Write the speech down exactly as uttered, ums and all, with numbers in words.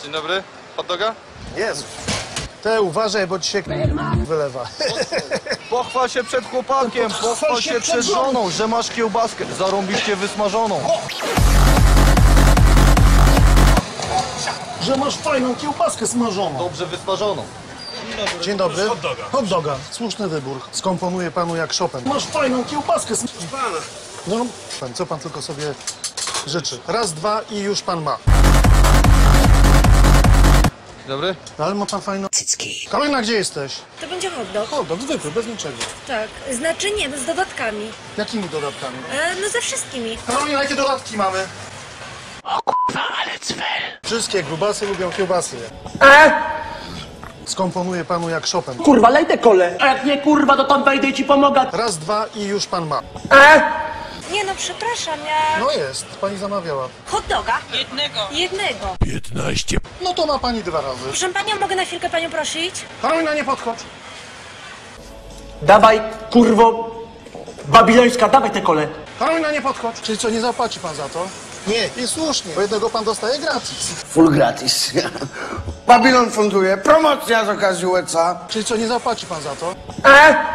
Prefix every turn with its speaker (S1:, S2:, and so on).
S1: Dzień dobry, hot doga?
S2: Jezu. Te uważaj, bo ci się wylewa.
S1: Pochwal się przed chłopakiem, pochwal się przed żoną, że masz kiełbaskę zarąbiście wysmażoną.
S2: Że masz fajną kiełbaskę smażoną.
S1: Dobrze wysmażoną.
S2: Dzień dobry. Hot doga. Hot doga. Słuszny wybór. Skomponuję panu jak Chopin. Masz fajną kiełbaskę smażoną. No, pan, co pan tylko sobie życzy. Raz, dwa i już pan ma.
S1: Dzień dobry.
S2: Ale ma pan fajną cycki. Karolina, gdzie jesteś?
S3: To będzie hot dog.
S2: Hot dog, zwykły, bez niczego.
S3: Tak. Znaczy nie, no z dodatkami.
S2: Jakimi dodatkami?
S3: E, no ze wszystkimi.
S2: Karolina, jakie dodatki mamy? O kurwa, ale cwel. Wszystkie grubasy lubią kiełbasy.
S4: E?
S2: Skomponuję panu jak Chopin.
S4: Kurwa, lej te kole. A jak nie kurwa, to tam wejdę i ci pomogę.
S2: Raz, dwa i już pan ma.
S4: E?
S3: Nie no, przepraszam, ja...
S2: No jest, pani zamawiała.
S3: Hot doga? Jednego. Jednego.
S2: No to ma pani dwa razy.
S3: Proszę panią, mogę na chwilkę panią prosić?
S2: Karolina, nie podchodź.
S4: Dawaj, kurwo, babilońska, dawaj te kole.
S2: Karolina, nie podchodź. Czyli co, nie zapłaci pan za to? Nie, i słusznie, bo jednego pan dostaje gratis.
S5: Full gratis. Babylon funduje, promocja z okazji U E C A.
S2: Czyli co, nie zapłaci pan za to?
S4: E?